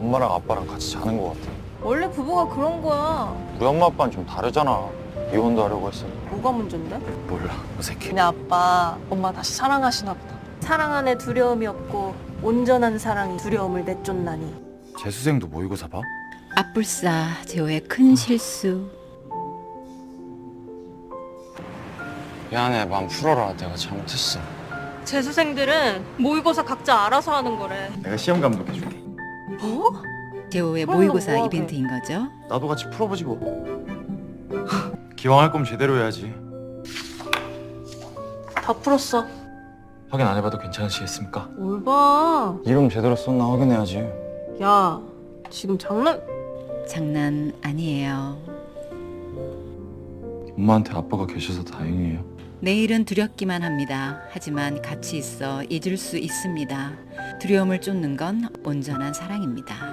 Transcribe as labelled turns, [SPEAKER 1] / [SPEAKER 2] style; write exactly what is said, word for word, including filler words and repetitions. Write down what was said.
[SPEAKER 1] 엄마랑 아빠랑 같이 자는 것 같아.
[SPEAKER 2] 원래 부부가 그런 거야.
[SPEAKER 1] 우리 엄마 아빠는 좀 다르잖아. 이혼도 하려고 했어.
[SPEAKER 2] 뭐가 문제인데?
[SPEAKER 1] 몰라, 어색해.
[SPEAKER 3] 니네 아빠 엄마 다시 사랑하시나 보다.
[SPEAKER 2] 사랑 안에 두려움이 없고 온전한 사랑이 두려움을 내쫓나니.
[SPEAKER 1] 재수생도 모의고사 봐?
[SPEAKER 4] 앞불사 재호의 큰 실수.
[SPEAKER 1] 미안해, 마음 풀어라. 내가 잘못했어.
[SPEAKER 2] 재수생들은 모의고사 각자 알아서 하는 거래.
[SPEAKER 1] 내가 시험 감독해줄게.
[SPEAKER 2] 뭐?
[SPEAKER 4] 재호의
[SPEAKER 2] 그럼
[SPEAKER 4] 모의고사
[SPEAKER 2] 너 뭐하게?
[SPEAKER 4] 이벤트인 거죠.
[SPEAKER 1] 나도 같이 풀어보지 뭐. 기왕 할 거면 제대로 해야지.
[SPEAKER 2] 다 풀었어.
[SPEAKER 1] 확인 안 해봐도 괜찮으시겠습니까?
[SPEAKER 2] 뭘 봐.
[SPEAKER 1] 이름 제대로 썼나 확인해야지.
[SPEAKER 2] 야, 지금 장난...
[SPEAKER 4] 장난 아니에요.
[SPEAKER 1] 엄마한테 아빠가 계셔서 다행이에요.
[SPEAKER 4] 내일은 두렵기만 합니다. 하지만 같이 있어 잊을 수 있습니다. 두려움을 쫓는 건 온전한 사랑입니다.